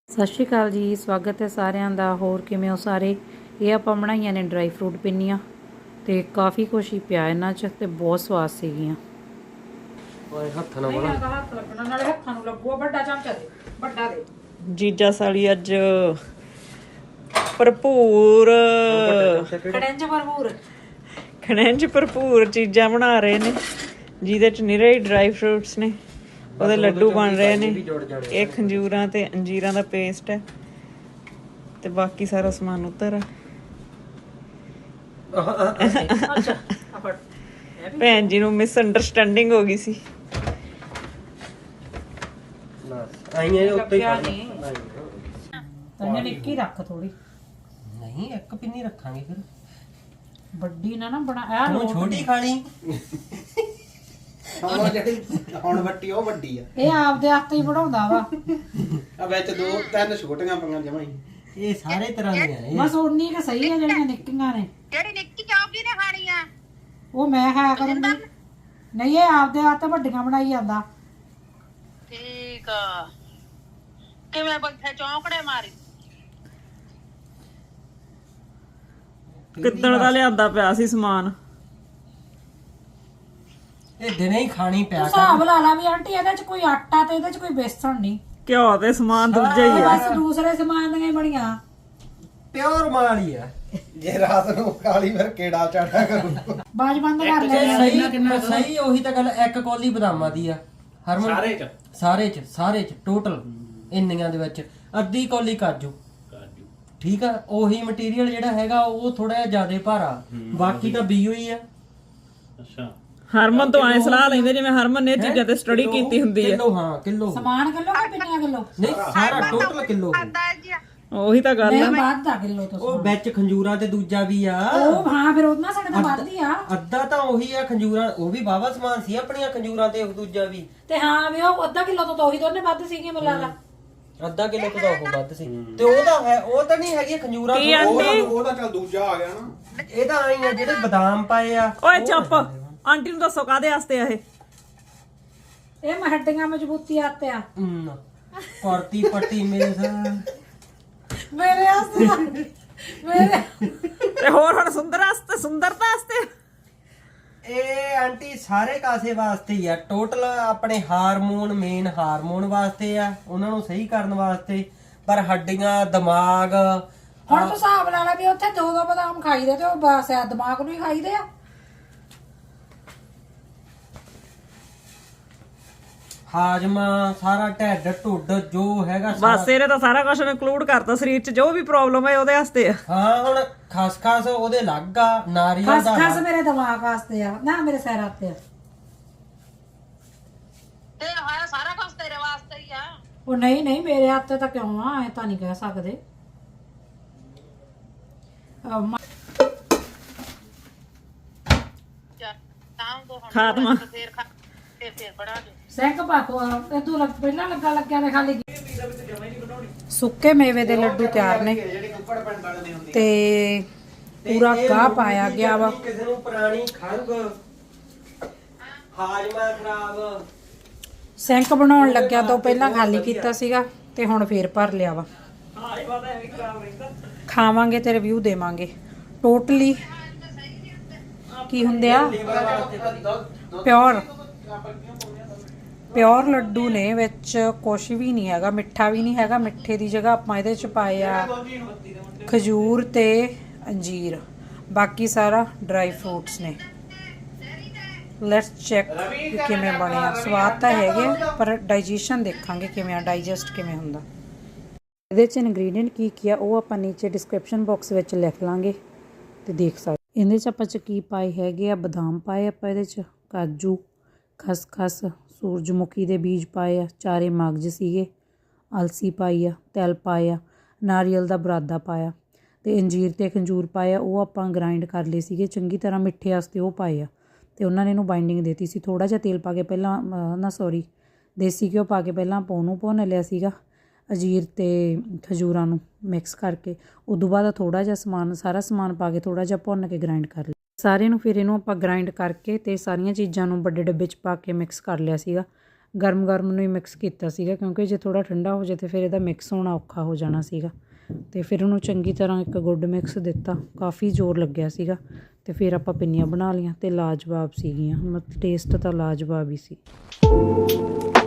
ਸਤਿ ਸ਼੍ਰੀ ਅਕਾਲ ਜੀ, ਸਵਾਗਤ ਹੈ ਸਾਰਿਆਂ ਦਾ। ਹੋਰ ਕਿਵੇਂ ਹੋ ਸਾਰੇ? ਇਹ ਆਪਾਂ ਬਣਾਈਆਂ ਨੇ ਡਰਾਈ ਫਰੂਟ ਪਿੰਨੀਆਂ ਤੇ ਕਾਫੀ ਕੁਛ ਹੀ ਪਿਆ ਇਹਨਾਂ 'ਚ ਤੇ ਬਹੁਤ ਸਵਾਦ ਸੀਗੀਆਂ। ਹੱਥ ਨਾਲ ਬਣਾ ਹੱਥ ਲੱਗਣਾ ਨਾਲੇ ਹੱਥਾਂ ਨੂੰ ਲੱਗੂਗਾ। ਵੱਡਾ ਚਮਚਾ ਦੇ, ਵੱਡਾ ਦੇ। ਜੀਜਾ ਸਾਲੀ ਅੱਜ ਭਰਪੂਰ ਖਣਿਜ ਭਰਪੂਰ ਚੀਜ਼ਾਂ ਬਣਾ ਰਹੇ ਨੇ, ਜਿਹਦੇ ਚ ਨਿਰੇ ਹੀ ਡਰਾਈ ਫਰੂਟਸ ਨੇ। ਉਹਦੇ ਲੱਡੂ ਬਣ ਰਹੇ ਨੇ। ਇਹ ਖੰਜੂਰਾਂ ਤੇ ਅੰਜੀਰਾਂ ਦਾ ਪੇਸਟ ਹੈ ਤੇ ਬਾਕੀ ਸਾਰਾ ਸਮਾਨ ਉੱਤਰ ਆ। ਭੈਣ ਜੀ ਨੂੰ ਮਿਸ ਅੰਡਰਸਟੈਂਡਿੰਗ ਹੋ ਗਈ ਸੀ। ਆਈਆਂ ਉੱਤੇ ਤੈਨੂੰ ਨਿੱਕੀ ਰੱਖ ਥੋੜੀ। ਨਹੀਂ ਇੱਕ ਪਿੰਨੀ ਰੱਖਾਂਗੇ ਫਿਰ। ਵੱਡੀ ਨਾ ਬਣਾ ਆ। ਤੂੰ ਛੋਟੀ ਖਾ ਲਈ। ਉਹ ਜਿਹੜੀ ਹੁਣ ਵੱਟੀ ਉਹ ਵੱਡੀ ਆ। ਇਹ ਆਪਦੇ ਹੱਥ ਹੀ ਬਣਾਉਂਦਾ ਵਾ। ਆ ਵਿੱਚ ਦੋ ਤਿੰਨ ਛੋਟੀਆਂ ਪੰਗਾਂ ਜਮਾਈ। ਇਹ ਸਾਰੇ ਤਰ੍ਹਾਂ ਦੀਆਂ ਨੇ। ਬਸ ਉਨੀ ਕਿ ਸਹੀ ਆ ਜਿਹੜੀਆਂ ਨਿੱਕੀਆਂ ਨੇ। ਜਿਹੜੀ ਨਿੱਕੀ ਚੌਕੀ ਨੇ ਖਾਣੀ ਆ ਉਹ ਮੈਂ ਖਾਇਆ ਕਰੂੰਗੀ। ਨਹੀਂ, ਇਹ ਆਪਦੇ ਹੱਥ ਵੱਡੀਆਂ ਬਣਾਈ ਜਾਂਦਾ। ਠੀਕ ਆ। ਕਿਵੇਂ ਬੱਠੇ ਚੌਂਕੜੇ ਮਾਰੀ? ਕਿੱਦਣ ਦਾ ਲਿਆਂਦਾ ਪਿਆ ਸੀ ਸਮਾਨ। ਇਹ ਦਿਨੇ ਹੀ ਖਾਣੀ ਪਿਆ ਕਰ। ਹਿਸਾਬ ਲਾ ਲਾ ਵੀ ਆਂਟੀ, ਇਹਦੇ ਚ ਕੋਈ ਆਟਾ ਤੇ ਇਹਦੇ ਚ ਕੋਈ ਬੇਸਣ ਨਹੀਂ। ਘਿਓ ਤੇ ਸਮਾਨ ਦੂਜਾ ਹੀ ਆ। ਬਸ ਦੂਸਰੇ ਸਮਾਨ ਦੀਆਂ ਹੀ ਬਣੀਆਂ। ਪਿਓਰ ਮਾਲ ਹੀ ਆ। ਜੇ ਰਾਤ ਨੂੰ ਖਾਲੀ ਫਿਰ ਕਿਹੜਾ ਚਾੜਾ ਕਰੂ। ਬਾਜ ਬੰਦ ਕਰ ਲੈ। ਸਹੀ ਉਹੀ ਤਾਂ ਗੱਲ। ਇੱਕ ਕੌਲੀ ਬਦਾਮਾਂ ਦੀ ਆ ਹਰਮਨ। ਸਾਰੇ ਚ ਟੋਟਲ ਇੰਨੀਆਂ ਦੇ ਵਿੱਚ ਅੱਧੀ ਕੌਲੀ ਕਾਜੂ। ਠੀਕ ਆ। ਉਹੀ ਮਟੀਰੀਅਲ ਜਿਹੜਾ ਹੈਗਾ ਉਹ ਥੋੜਾ ਜਿਹਾ ਜ਼ਿਆਦਾ ਭਾਰਾ, ਬਾਕੀ ਤਾਂ ਬੀਓ ਹੀ ਆ। ਹਰਮਨ ਤੋਂ ਐ ਸਲਾਹ ਲੈਂਦੇ ਜਿਵੇਂ ਹਰਮਨ ਨੇ ਚੀਜ਼ਾਂ ਤੇ ਸਟੱਡੀ ਕੀਤੀ ਹੁੰਦੀ ਹੈ। ਕਿਲੋ, ਹਾਂ ਕਿਲੋ ਸਮਾਨ ਕਿਲੋ ਕਿ ਪਿੰਨੀਆਂ ਕਿਲੋ? ਨਹੀਂ, ਸਾਰਾ ਟੋਟਲ ਕਿਲੋ। ਉਹੀ ਤਾਂ ਗੱਲ ਨਹੀਂ, ਆ। ਬਾਅਦ ਦਾ ਕਿਲੋ ਤੋਂ ਉਹ ਵਿੱਚ ਖੰਜੂਰਾਂ ਤੇ ਦੂਜਾ ਵੀ ਆ। ਉਹ ਹਾਂ, ਫਿਰ ਉਹਨਾਂ ਸਾਡੇ ਤਾਂ ਵੱਧ ਹੀ ਆ। ਅੱਧਾ ਤਾਂ ਉਹੀ ਆ ਖੰਜੂਰਾਂ। ਉਹ ਵੀ ਬਾਵਾ ਸਮਾਨ ਸੀ ਆਪਣੀਆਂ ਖੰਜੂਰਾਂ ਤੇ ਦੂਜਾ ਵੀ। ਤੇ ਹਾਂ ਵੀ ਉਹ ਅੱਧਾ ਕਿਲੋ ਤੋਂ ਉਹੀ ਦੋਨੇ ਵੱਧ ਸੀਗੇ ਮਿਲਾ ਅੱਧਾ ਕਿਲੋ ਤੋਂ ਤਾਂ ਉਹ ਵੱਧ ਸੀ। ਤੇ ਉਹਦਾ ਹੈ, ਉਹ ਤਾਂ ਨਹੀਂ ਹੈਗੀ ਖੰਜੂਰਾਂ। ਉਹਦਾ ਚੱਲ ਦੂਜਾ ਆ ਗਿਆ ਨਾ। ਇਹ ਤਾਂ ਆਈ ਆ ਜਿਹੜੇ ਬਦਾਮ ਪਾਏ ਆ। ਓਏ ਚੁੱਪ। ਆਂਟੀ ਨੂੰ ਦੱਸੋ ਕਾਦੇ ਵਾਸਤੇ ਆ ਇਹ? ਇਹ ਹੱਡੀਆਂ ਮਜ਼ਬੂਤੀ ਆਤੇ ਆ। ਕੁਰਤੀ ਪੱਟੀ ਮੇਰੇ ਵਾਸਤੇ ਮੇਰੇ ਤੇ ਹੋਰ ਹੁਣ ਸੁੰਦਰਤਾ ਵਾਸਤੇ। ਇਹ ਆਂਟੀ ਸਾਰੇ ਕਾਸੇ ਵਾਸਤੇ ਹੀ ਆ। ਟੋਟਲ ਆਪਣੇ ਹਾਰਮੋਨ, ਮੇਨ ਹਾਰਮੋਨ ਵਾਸਤੇ ਆ, ਉਹਨਾਂ ਨੂੰ ਸਹੀ ਕਰਨ ਵਾਸਤੇ। ਪਰ ਹੱਡੀਆਂ, ਦਿਮਾਗ। ਹੁਣ ਤੂੰ ਹਿਸਾਬ ਲਾ ਲੈ ਵੀ ਉੱਥੇ ਦੋ ਬਦਾਮ ਖਾਈਦੇ ਤੇ ਉਹ ਬਸ ਆ ਦਿਮਾਗ ਨੂੰ ਹੀ ਖਾਈਦੇ ਆ। ਹਾਜਮਾ, ਸਾਰਾ ਢਿੱਡ ਢੁੱਡ ਜੋ ਹੈਗਾ ਬਸ ਇਹਨੇ ਤਾਂ ਸਾਰਾ ਕੁਝ ਇਨਕਲੂਡ ਕਰਤਾ ਸਰੀਰ 'ਚ। ਜੋ ਵੀ ਪ੍ਰੋਬਲਮ ਹੈ ਉਹਦੇ ਵਾਸਤੇ ਆ। ਹਾਂ, ਹੁਣ ਖਸਖਸ ਉਹਦੇ ਲੱਗ ਆ, ਨਾਰੀਅਲ ਦਾ ਖਸ ਮੇਰੇ ਦਿਮਾਗ ਵਾਸਤੇ ਆ ਨਾ, ਮੇਰੇ ਸਿਰ ਵਾਸਤੇ ਆ। ਤੇ ਹੋਇਆ ਸਾਰਾ ਕੁਝ ਤੇਰੇ ਵਾਸਤੇ ਹੀ ਆ। ਉਹ ਨਹੀਂ, ਮੇਰੇ ਹੱਥ ਤੇ ਤਾਂ ਕਿਉਂ ਆ? ਐ ਤਾਂ ਨਹੀਂ ਕਹਿ ਸਕਦੇ। ਤਾਂ ਦੋ ਹੁਣ ਖਾਤਮਾ। ਫੇਰ ਬਣਾ ਦੇ। ਸੈਂਕ ਪਾਕੋ ਤੇ ਤੂੰ ਪਹਿਲਾਂ ਲੱਗਿਆ ਨੇ ਖਾਲੀ। ਸੁੱਕੇ ਮੇਵੇ ਦੇ ਲੱਡੂ ਤਿਆਰ ਨੇ ਤੇ ਪੂਰਾ ਗਾਹ ਪਾਇਆ ਗਿਆ ਵਾ। ਕਿਸੇ ਨੂੰ ਪੁਰਾਣੀ ਖੰਗ, ਹਾਜਮਾ ਖਰਾਬ। ਸੈਂਕ ਬਣਾਉਣ ਲੱਗਿਆ ਤੋਂ ਪਹਿਲਾਂ ਖਾਲੀ ਕੀਤਾ ਸੀਗਾ ਤੇ ਹੁਣ ਫੇਰ ਭਰ ਲਿਆ ਵਾ। ਖਾਵਾਂਗੇ ਤੇ ਰਿਵਿਊ ਦੇਵਾਂਗੇ। ਟੋਟਲੀ ਕੀ ਹੁੰਦੇ ਆ? ਪਿਓਰ ਲੱਡੂ ਨੇ, ਵਿੱਚ ਕੁਛ ਵੀ ਨਹੀਂ ਹੈਗਾ, ਮਿੱਠਾ ਵੀ ਨਹੀਂ ਹੈਗਾ। ਮਿੱਠੇ ਦੀ ਜਗ੍ਹਾ ਆਪਾਂ ਇਹਦੇ ਚ ਪਾਏ ਆ ਖਜੂਰ ਤੇ ਅੰਜੀਰ, ਬਾਕੀ ਸਾਰਾ ਡਰਾਈ ਫਰੂਟਸ ਨੇ। ਲੈਟਸ ਚੈੱਕ ਕਿਵੇਂ ਬਣਿਆ। ਸਵਾਦ ਤਾਂ ਹੈਗੇ ਪਰ ਡਾਈਜੈਸ਼ਨ ਦੇਖਾਂਗੇ ਕਿਵੇਂ ਆ, ਡਾਈਜੈਸਟ ਕਿਵੇਂ ਹੁੰਦਾ। ਇਹਦੇ ਚ ਇਨਗਰੀਡੀਐਂਟ ਕੀ ਆ ਉਹ ਆਪਾਂ ਨੀਚੇ ਡਿਸਕ੍ਰਿਪਸ਼ਨ ਬਾਕਸ ਵਿੱਚ ਲਿਖ ਲਾਂਗੇ ਤੇ ਦੇਖ ਸਕਦੇ। ਇਹਦੇ ਚ ਆਪਾਂ ਚ ਕੀ ਪਾਏ ਹੈਗੇ ਆ? ਬਦਾਮ ਪਾਏ ਆਪਾਂ ਇਹਦੇ ਚ, ਕਾਜੂ, ਖਸਖਸ, ਸੂਰਜਮੁਖੀ ਦੇ ਬੀਜ ਪਾਏ ਆ, 4 ਮਗਜ਼ ਸੀਗੇ, ਅਲਸੀ ਪਾਈ ਆ, ਤਿਲ ਪਾਏ ਆ, ਨਾਰੀਅਲ ਦਾ ਬੁਰਾਦਾ ਪਾਇਆ ਤੇ ਅੰਜੀਰ ਤੇ ਖੰਜੂਰ ਪਾਇਆ। ਉਹ ਆਪਾਂ ਗ੍ਰਾਈਂਡ ਕਰ ਲਏ ਸੀਗੇ ਚੰਗੀ ਤਰ੍ਹਾਂ, ਮਿੱਠੇ ਵਾਸਤੇ ਉਹ ਪਾਏ ਆ ਤੇ ਉਹਨਾਂ ਨੇ ਇਹਨੂੰ ਬਾਈਂਡਿੰਗ ਦੇਤੀ ਸੀ। ਥੋੜਾ ਜਿਹਾ ਤੇਲ ਪਾ ਕੇ ਪਹਿਲਾਂ ਦੇਸੀ ਘਿਓ ਪਾ ਕੇ ਪਹਿਲਾਂ ਆਪਾਂ ਉਹਨੂੰ ਭੁੰਨ ਲਿਆ ਸੀਗਾ, ਅੰਜੀਰ ਤੇ ਖਜੂਰਾਂ ਨੂੰ ਮਿਕਸ ਕਰਕੇ। ਉਦੋਂ ਬਾਅਦ ਥੋੜਾ ਜਿਹਾ ਸਾਰਾ ਸਮਾਨ ਪਾ ਕੇ ਥੋੜਾ ਜਿਹਾ ਭੁੰਨ ਕੇ ਗ੍ਰਾਈਂਡ ਕਰ ਲਿਆ ਸਾਰੇ ਨੂੰ। ਫਿਰ ਇਹਨੂੰ ਆਪਾਂ ਗ੍ਰਾਈਂਡ ਕਰਕੇ ਤੇ ਸਾਰੀਆਂ ਚੀਜ਼ਾਂ ਨੂੰ ਵੱਡੇ ਡੱਬੇ 'ਚ ਪਾ ਕੇ ਮਿਕਸ ਕਰ ਲਿਆ ਸੀਗਾ। ਗਰਮ ਗਰਮ ਨੂੰ ਹੀ ਮਿਕਸ ਕੀਤਾ ਸੀਗਾ, ਕਿਉਂਕਿ ਜੇ ਥੋੜ੍ਹਾ ਠੰਡਾ ਹੋ ਜਾਏ ਤਾਂ ਫਿਰ ਇਹਦਾ ਮਿਕਸ ਹੋਣਾ ਔਖਾ ਹੋ ਜਾਣਾ ਸੀਗਾ। ਅਤੇ ਫਿਰ ਉਹਨੂੰ ਚੰਗੀ ਤਰ੍ਹਾਂ ਇੱਕ ਗੁੱਡ ਮਿਕਸ ਦਿੱਤਾ, ਕਾਫੀ ਜ਼ੋਰ ਲੱਗਿਆ ਸੀਗਾ। ਅਤੇ ਫਿਰ ਆਪਾਂ ਪਿੰਨੀਆਂ ਬਣਾ ਲਈਆਂ ਅਤੇ ਲਾਜਵਾਬ ਸੀਗੀਆਂ, ਮਤਲਬ ਟੇਸਟ ਤਾਂ ਲਾਜਵਾਬ ਹੀ ਸੀ।